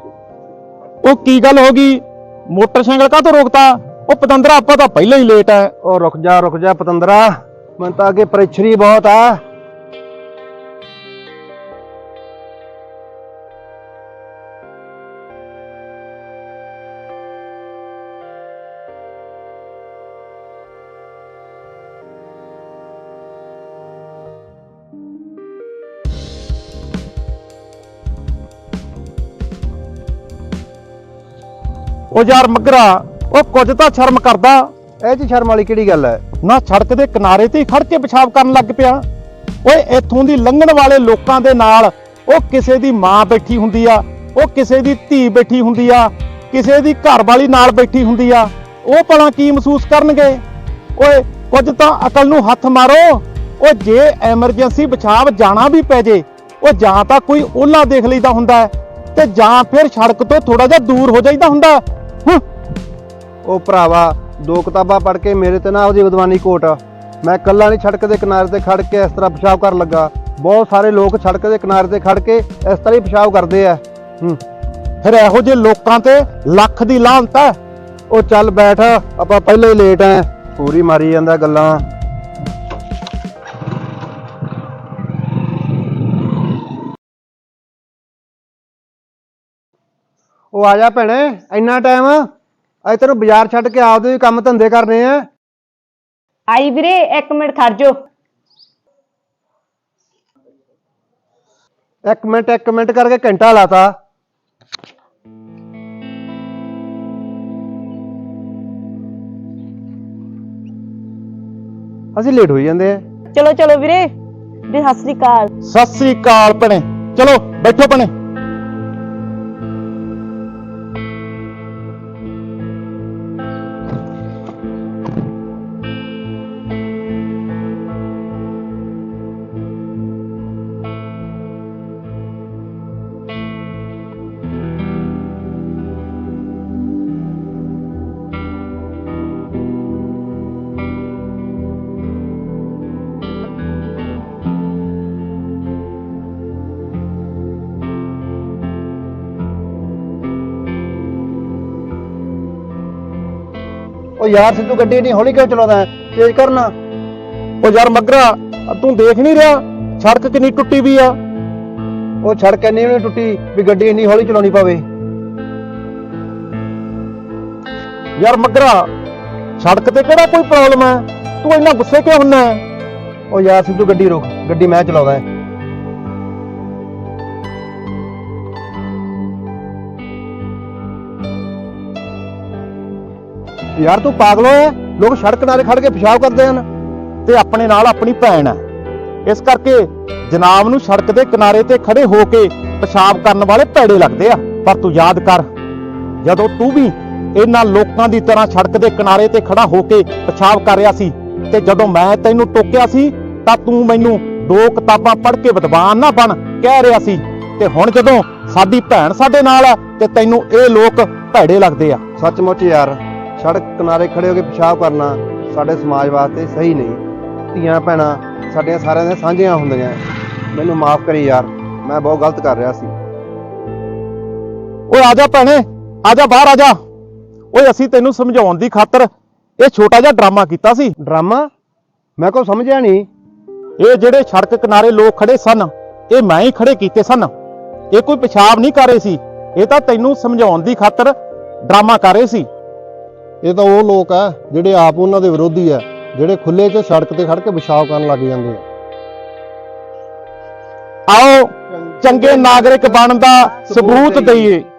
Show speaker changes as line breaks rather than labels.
ਉਹ ਕੀ ਗੱਲ ਹੋ ਗਈ? ਮੋਟਰਸਾਈਕਲ ਕਾਹਤੋਂ ਰੋਕਤਾ? ਉਹ ਪਤੰਦਰਾ ਆਪਾਂ ਤਾਂ ਪਹਿਲਾਂ ਹੀ ਲੇਟ ਹੈ।
ਉਹ ਰੁਕ ਜਾ ਪਤੰਦਰਾ, ਮੈਨੂੰ ਤਾਂ ਅੱਗੇ ਪ੍ਰੈਸ਼ਰ ਹੀ ਬਹੁਤ ਆ।
ਉਹ ਯਾਰ ਮੱਗਰਾ, ਉਹ ਕੁਝ ਤਾਂ ਸ਼ਰਮ ਕਰਦਾ।
ਇਹ 'ਚ ਸ਼ਰਮ ਵਾਲੀ ਕਿਹੜੀ ਗੱਲ ਹੈ?
ਨਾ ਸੜਕ ਦੇ ਕਿਨਾਰੇ ਤੇ ਹੀ ਖੜ ਕੇ ਪਿਸ਼ਾਬ ਕਰਨ ਲੱਗ ਪਿਆ। ਓਏ ਇੱਥੋਂ ਦੀ ਲੰਘਣ ਵਾਲੇ ਲੋਕਾਂ ਦੇ ਨਾਲ ਉਹ ਕਿਸੇ ਦੀ ਮਾਂ ਬੈਠੀ ਹੁੰਦੀ ਆ, ਉਹ ਕਿਸੇ ਦੀ ਧੀ ਬੈਠੀ ਹੁੰਦੀ ਆ, ਕਿਸੇ ਦੀ ਘਰ ਵਾਲੀ ਨਾਲ ਬੈਠੀ ਹੁੰਦੀ ਆ। ਉਹ ਭਲਾ ਕੀ ਮਹਿਸੂਸ ਕਰਨਗੇ? ਓਏ ਕੁਝ ਤਾਂ ਅਕਲ ਨੂੰ ਹੱਥ ਮਾਰੋ। ਉਹ ਜੇ ਐਮਰਜੈਂਸੀ ਪਿਸ਼ਾਬ ਜਾਣਾ ਵੀ ਪੈ ਜੇ, ਉਹ ਜਾਂ ਤਾਂ ਕੋਈ ਓਲਾ ਦੇਖ ਲਈਦਾ ਹੁੰਦਾ ਹੈ ਤੇ ਜਾਂ ਫਿਰ ਸੜਕ ਤੋਂ ਥੋੜਾ ਜਿਹਾ ਦੂਰ ਹੋ ਜਾਈਦਾ ਹੁੰਦਾ।
ਉਹ ਭਰਾਵਾ, 2 ਕਿਤਾਬਾਂ ਪੜ੍ਹ ਕੇ ਮੇਰੇ ਤੇ ਨਾ ਉਹਦੀ ਵਿਦਵਾਨੀ ਕੋਟ। ਮੈਂ ਕੱਲਾ ਨਹੀਂ ਸੜਕ ਦੇ ਕਿਨਾਰੇ ਤੇ ਖੜ ਕੇ ਇਸ ਤਰ੍ਹਾਂ ਪਿਸ਼ਾਬ ਕਰਨ ਲੱਗਾ। ਬਹੁਤ ਸਾਰੇ ਲੋਕ ਸੜਕ ਦੇ ਕਿਨਾਰੇ ਤੇ ਖੜ ਕੇ ਇਸ ਤਰ੍ਹਾਂ ਹੀ ਪਿਸ਼ਾਬ ਕਰਦੇ ਆ।
ਫਿਰ ਇਹੋ ਜਿਹੇ ਲੋਕਾਂ ਤੇ ਲੱਖ ਦੀ ਲਾਹਨਤ ਹੈ।
ਉਹ ਚੱਲ ਬੈਠ, ਆਪਾਂ ਪਹਿਲਾਂ ਹੀ ਲੇਟ ਆ। ਪੂਰੀ ਮਾਰੀ ਜਾਂਦਾ ਗੱਲਾਂ। ਉਹ ਆ ਜਾ ਭੈਣੇ, ਇੰਨਾ ਟਾਈਮ? ਅੱਜ ਤੈਨੂੰ ਬਾਜ਼ਾਰ ਛੱਡ ਕੇ ਆਪਦੇ ਵੀ ਕੰਮ ਧੰਦੇ ਕਰਨੇ ਆ।
ਆਈ ਵੀਰੇ, 1 ਮਿੰਟ ਖੜ ਜੋ।
1 ਮਿੰਟ ਕਰਕੇ ਘੰਟਾ ਲਾਤਾ। ਅਸੀਂ ਲੇਟ ਹੋਈ ਜਾਂਦੇ ਆ।
ਚਲੋ ਚਲੋ ਵੀਰੇ, ਵੀ ਸਤਿ ਸ੍ਰੀ ਅਕਾਲ।
ਸਤਿ ਸ੍ਰੀ ਅਕਾਲ ਭੈਣੇ। ਚਲੋ ਬੈਠੋ ਭੈਣੇ।
ਉਹ ਯਾਰ ਸਿੱਧੂ ਗੱਡੀ ਨਹੀਂ ਹੌਲੀ ਕਿਉਂ ਚਲਾਉਂਦਾ? ਤੇਜ਼ ਕਰਨਾ।
ਉਹ ਯਾਰ ਮੱਗਰਾ, ਤੂੰ ਦੇਖ ਨਹੀਂ ਰਿਹਾ ਸੜਕ ਕਿੰਨੀ ਟੁੱਟੀ ਵੀ ਆ?
ਉਹ ਸੜਕ ਇੰਨੀ ਵੀ ਨਹੀਂ ਟੁੱਟੀ ਵੀ ਗੱਡੀ ਇੰਨੀ ਹੌਲੀ ਚਲਾਉਣੀ ਪਵੇ।
ਯਾਰ ਮੱਗਰਾ, ਸੜਕ ਤੇ ਕਿਹੜਾ ਕੋਈ ਪ੍ਰੋਬਲਮ ਹੈ? ਤੂੰ ਇੰਨਾ ਗੁੱਸੇ ਕਿਉਂ ਹੁੰਨਾ ਹੈ?
ਉਹ ਯਾਰ ਸਿੱਧੂ ਗੱਡੀ ਰੋਕ, ਗੱਡੀ ਮੈਂ ਚਲਾਉਂਦਾ। ਯਾਰ ਤੂੰ ਪਾਗਲ ਹੋਇਆ? ਲੋਕ ਸੜਕ ਕਿਨਾਰੇ ਖੜ ਕੇ ਪਿਸ਼ਾਬ ਕਰਦੇ ਹਨ
ਤੇ ਆਪਣੇ ਨਾਲ ਆਪਣੀ ਭੈਣ ਹੈ, ਇਸ ਕਰਕੇ ਜਨਾਬ ਨੂੰ ਸੜਕ ਦੇ ਕਿਨਾਰੇ ਤੇ ਖੜੇ ਹੋ ਕੇ ਪਿਸ਼ਾਬ ਕਰਨ ਵਾਲੇ ਭੈੜੇ ਲੱਗਦੇ ਆ। ਪਰ ਤੂੰ ਯਾਦ ਕਰ, ਜਦੋਂ ਤੂੰ ਵੀ ਇਹਨਾਂ ਲੋਕਾਂ ਦੀ ਤਰ੍ਹਾਂ ਸੜਕ ਦੇ ਕਿਨਾਰੇ ਤੇ ਖੜਾ ਹੋ ਕੇ ਪਿਸ਼ਾਬ ਕਰ ਰਿਹਾ ਸੀ ਤੇ ਜਦੋਂ ਮੈਂ ਤੈਨੂੰ ਟੋਕਿਆ ਸੀ ਤਾਂ ਤੂੰ ਮੈਨੂੰ 2 ਕਿਤਾਬਾਂ ਪੜ੍ਹ ਕੇ ਵਿਦਵਾਨ ਨਾ ਬਣ ਕਹਿ ਰਿਹਾ ਸੀ, ਤੇ ਹੁਣ ਜਦੋਂ ਸਾਡੀ ਭੈਣ ਸਾਡੇ ਨਾਲ ਆ ਤੇ ਤੈਨੂੰ ਇਹ ਲੋਕ ਭੈੜੇ ਲੱਗਦੇ ਆ।
ਸੱਚਮੁੱਚ ਯਾਰ, ਸੜਕ ਕਿਨਾਰੇ ਖੜੇ ਹੋ ਕੇ ਪਿਸ਼ਾਬ ਕਰਨਾ ਸਾਡੇ ਸਮਾਜ ਵਾਸਤੇ ਸਹੀ ਨਹੀਂ। ਧੀਆਂ ਭੈਣਾਂ ਸਾਡੀਆਂ ਸਾਰਿਆਂ ਦੀਆਂ ਸਾਂਝੀਆਂ ਹੁੰਦੀਆਂ। ਮੈਨੂੰ ਮਾਫ ਕਰੀ ਯਾਰ, ਮੈਂ ਬਹੁਤ ਗਲਤ ਕਰ ਰਿਹਾ ਸੀ।
ਓਏ ਆ ਜਾ ਭੈਣੇ, ਆ ਜਾ ਬਾਹਰ ਆ ਜਾ। ਓਏ ਅਸੀਂ ਤੈਨੂੰ ਸਮਝਾਉਣ ਦੀ ਖਾਤਰ ਇਹ ਛੋਟਾ ਜਿਹਾ ਡਰਾਮਾ ਕੀਤਾ ਸੀ।
ਡਰਾਮਾ? ਮੈਂ ਕੋਈ ਸਮਝਿਆ ਨਹੀਂ।
ਇਹ ਜਿਹੜੇ ਸੜਕ ਕਿਨਾਰੇ ਲੋਕ ਖੜੇ ਸਨ, ਇਹ ਮੈਂ ਹੀ ਖੜੇ ਕੀਤੇ ਸਨ। ਇਹ ਕੋਈ ਪਿਸ਼ਾਬ ਨਹੀਂ ਕਰ ਰਹੇ ਸੀ, ਇਹ ਤਾਂ ਤੈਨੂੰ ਸਮਝਾਉਣ ਦੀ ਖਾਤਰ ਡਰਾਮਾ ਕਰ ਰਹੇ ਸੀ।
ਇਹ ਤਾਂ ਉਹ ਲੋਕ ਆ ਜਿਹੜੇ ਆਪ ਉਹਨਾਂ ਦੇ ਵਿਰੋਧੀ ਆ, ਜਿਹੜੇ ਖੁੱਲੇ 'ਚ ਸੜਕ ਤੇ ਖੜ ਕੇ ਪਿਸ਼ਾਬ ਕਰਨ ਲੱਗ ਜਾਂਦੇ ਆ।
ਆਓ ਚੰਗੇ ਨਾਗਰਿਕ ਬਣਨ ਦਾ ਸਬੂਤ ਦਈਏ।